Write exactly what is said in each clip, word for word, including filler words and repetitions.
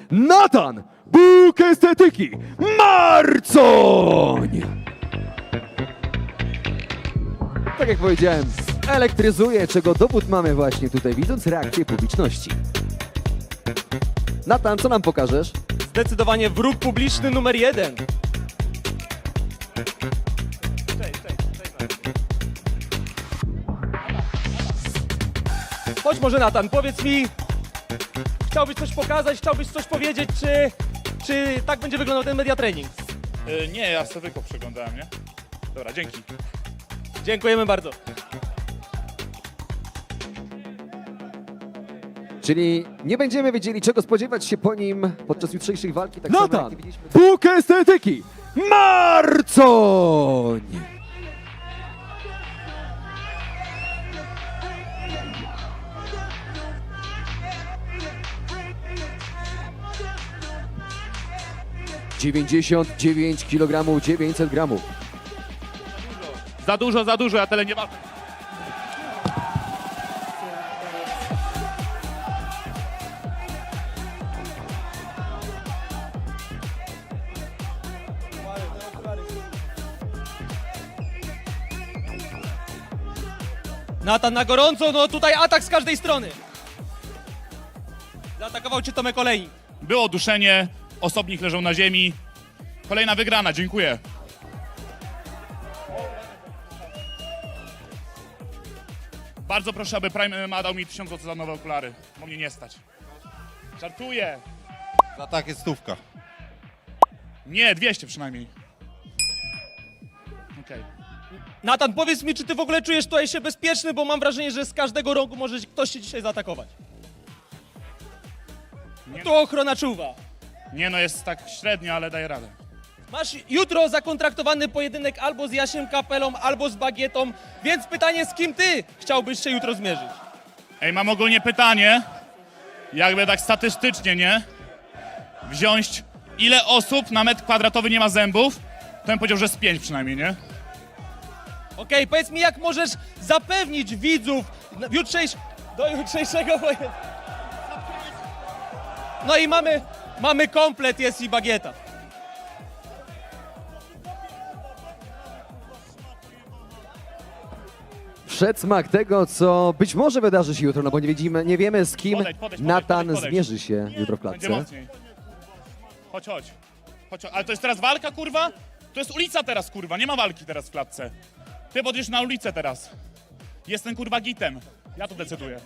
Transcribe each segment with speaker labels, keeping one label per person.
Speaker 1: Natan Bóg Estetyki Marcoń! Tak jak powiedziałem, elektryzuje, czego dowód mamy właśnie tutaj, widząc reakcję publiczności. Natan, co nam pokażesz?
Speaker 2: Zdecydowanie wróg publiczny numer jeden. Chodź może, Natan, powiedz mi, chciałbyś coś pokazać, chciałbyś coś powiedzieć, czy, czy tak będzie wyglądał ten media training?
Speaker 3: Yy, nie, ja sobie tylko przeglądałem, nie? Dobra, dzięki.
Speaker 2: Dziękujemy bardzo.
Speaker 1: Czyli nie będziemy wiedzieli, czego spodziewać się po nim podczas jutrzejszej walki. Tak samo jak
Speaker 4: Natan
Speaker 1: nie widzieliśmy...
Speaker 4: Bóg Estetyki Marcoń!
Speaker 1: dziewięćdziesiąt dziewięć kilogramów, dziewięćset gramów.
Speaker 3: Za dużo, za dużo, ja tyle nie mam.
Speaker 2: Natan na gorąco, no tutaj atak z każdej strony. Zaatakował cię Tomek Olejnik.
Speaker 3: Było duszenie, osobnik leżał na ziemi. Kolejna wygrana, dziękuję. Bardzo proszę, aby Prime M M A dał mi tysiąc złotych za nowe okulary, bo mnie nie stać. Żartuję.
Speaker 5: Za takie stówka.
Speaker 3: Nie, dwieście przynajmniej. Okej.
Speaker 2: Natan, powiedz mi, czy ty w ogóle czujesz tutaj się bezpieczny, bo mam wrażenie, że z każdego rogu może ktoś cię dzisiaj zaatakować.
Speaker 3: Nie.
Speaker 2: Tu ochrona czuwa.
Speaker 3: Nie no, jest tak średnio, ale daję radę.
Speaker 2: Masz jutro zakontraktowany pojedynek albo z Jasiem Kapelą, albo z Bagietą, więc pytanie, z kim ty chciałbyś się jutro zmierzyć?
Speaker 3: Ej, mam ogólnie pytanie, jakby tak statystycznie, nie? Wziąć, ile osób na metr kwadratowy nie ma zębów, to bym powiedział, że z pięć przynajmniej, nie?
Speaker 2: Okej, powiedz mi, jak możesz zapewnić widzów w jutrzejsz... do jutrzejszego pojedynku. No i mamy, mamy komplet, jest i Bagieta.
Speaker 1: Przedsmak tego, co być może wydarzy się jutro, no bo nie, widzimy, nie wiemy, z kim
Speaker 3: Podejdź, podejdź,
Speaker 1: Natan
Speaker 3: podejdź, podejdź.
Speaker 1: zmierzy się jutro w
Speaker 3: Będzie
Speaker 1: klatce.
Speaker 3: mocniej. Chodź, chodź. chodź. chodź. Ale to jest teraz walka, kurwa? To jest ulica teraz, kurwa, nie ma walki teraz w klatce. Ty podjedziesz na ulicę teraz. Jestem, kurwa, gitem. Ja to decyduję.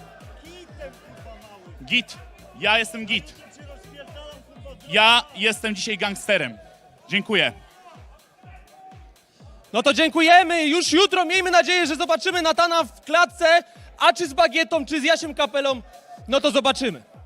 Speaker 3: Git. Ja jestem git. Ja jestem dzisiaj gangsterem. Dziękuję.
Speaker 2: No to dziękujemy, już jutro miejmy nadzieję, że zobaczymy Natana w klatce, a czy z Bagietą, czy z Jasiem Kapelą, no to zobaczymy.